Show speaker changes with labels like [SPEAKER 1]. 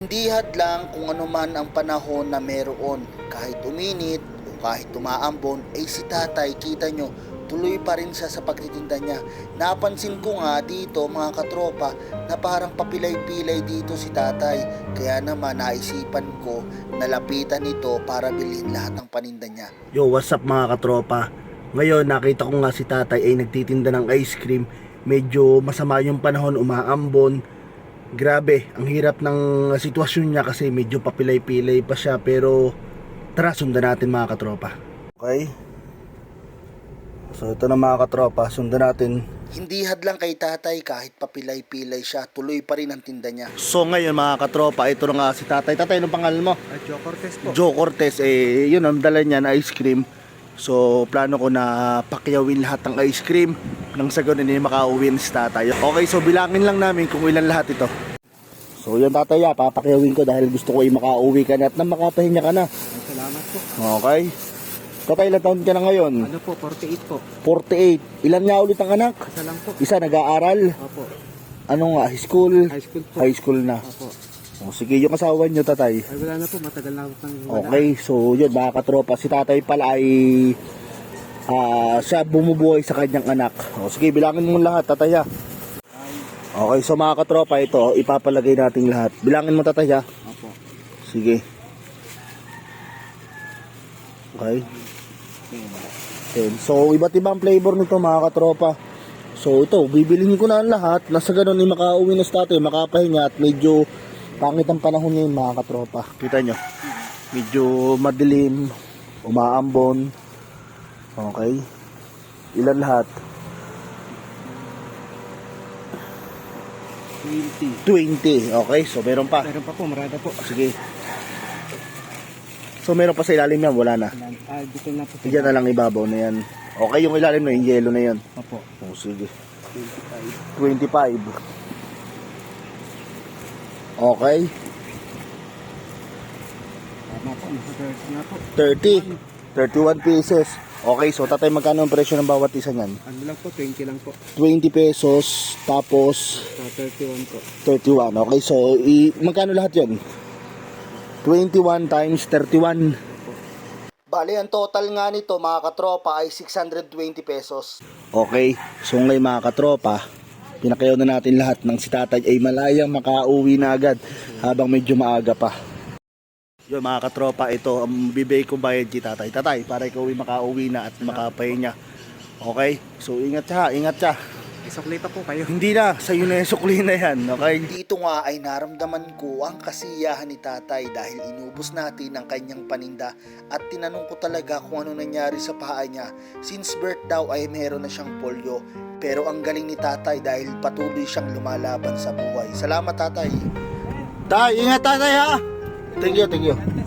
[SPEAKER 1] Hindi hadlang kung ano man ang panahon na meron. Kahit uminit o kahit tumaambon, ay si tatay, kita nyo, tuloy pa rin siya sa pagtitinda niya. Napansin ko nga dito mga katropa na parang papilay-pilay dito si tatay. Kaya naman naisipan ko na lapitan ito para bilhin lahat ng paninda niya.
[SPEAKER 2] Yo, what's up mga katropa? Ngayon nakita ko nga si tatay ay nagtitinda ng ice cream. Medyo masama yung panahon, umaambon. Grabe, ang hirap ng sitwasyon niya kasi medyo papilay-pilay pa siya. Pero tara, sundan natin mga katropa. Okay? So ito na mga katropa, sundan natin.
[SPEAKER 1] Hindi hadlang kay tatay kahit papilay-pilay siya, tuloy pa rin ang tinda niya.
[SPEAKER 2] So ngayon mga katropa, ito na nga si tatay. Tatay, anong pangalan mo?
[SPEAKER 3] Joe Cortez po.
[SPEAKER 2] Joe Cortez, yun ang dala niya na ice cream. So plano ko na pakyawin lahat ng ice cream nang sa ganun hindi makauwi si tatay. Okay, so bilangin lang namin kung ilan lahat ito. So yun tatay, papakyawin ko dahil gusto ko ay makauwi ka na at na makapahinga ka na.
[SPEAKER 3] Salamat po.
[SPEAKER 2] Okay. Tatay, ilang taon ka na ngayon?
[SPEAKER 3] Ano po, 48 po.
[SPEAKER 2] 48. Ilan nga ulit ang anak?
[SPEAKER 3] Isa lang po.
[SPEAKER 2] Isa nag-aaral?
[SPEAKER 3] Opo.
[SPEAKER 2] Ano nga, high school?
[SPEAKER 3] High school po.
[SPEAKER 2] High school na.
[SPEAKER 3] Opo.
[SPEAKER 2] O, sige, yung asawa nyo tatay.
[SPEAKER 3] Ay wala na po, matagal na ako pang wala.
[SPEAKER 2] Okay, so yun mga katropa, si tatay pala ay siya bumubuhay sa kanyang anak. O, sige, bilangin mo lahat tatay ha. Okay, so mga katropa, ito ipapalagay natin lahat. Bilangin mo tatay ha.
[SPEAKER 3] Opo.
[SPEAKER 2] Sige. Okay. Then, so iba't ibang flavor nito mga katropa. So ito, bibilihin ko na ang lahat. Nasa ganun ay makauwi na si tatay, makapahinga at medyo pangit ang panahon ngayon mga katropa. Kita nyo, medyo madilim, umaambon. Okay. Ilan lahat? 20. Okay, so meron pa.
[SPEAKER 3] Meron pa po, marada po.
[SPEAKER 2] Sige. So meron pa sa ilalim yan, wala na.
[SPEAKER 3] Dito na po.
[SPEAKER 2] Diyan na lang ibabaw na yan. Okay, yung ilalim na yung yellow na yan.
[SPEAKER 3] Opo.
[SPEAKER 2] Oh, sige.
[SPEAKER 3] 25.
[SPEAKER 2] 25. Okay.
[SPEAKER 3] Tama po, nasa 30 na po.
[SPEAKER 2] 30. 31 pieces. Okay, so tatay, magkano ang presyo ng bawat isa niyan?
[SPEAKER 3] Ano lang po, 20 lang po.
[SPEAKER 2] 20 pesos, tapos
[SPEAKER 3] 31 po.
[SPEAKER 2] 31. Okay, so magkano lahat yan? 21 times 31.
[SPEAKER 1] Bali, ang total nga nito mga katropa ay 620 pesos.
[SPEAKER 2] Okay, so ngayon mga katropa, pinakayaw na natin lahat ng si tatay ay malayang makauwi na agad habang medyo maaga pa. Yun mga katropa, ito ang bibigay kong bayad kay tatay. Tatay, para ikaw ay makauwi na at makapahinga. Okay, so ingat siya, ingat siya.
[SPEAKER 3] Isoklita po kayo.
[SPEAKER 2] Hindi na, sa'yo na yung sukli na yan, okay?
[SPEAKER 1] Dito nga ay naramdaman ko ang kasiyahan ni tatay dahil inubos natin ang kanyang paninda at tinanong ko talaga kung ano nangyari sa paa niya. Since birth daw ay meron na siyang polio, pero ang galing ni tatay dahil patuloy siyang lumalaban sa buhay. Salamat tatay.
[SPEAKER 2] Tay, ingat tatay ha! Thank you, thank you.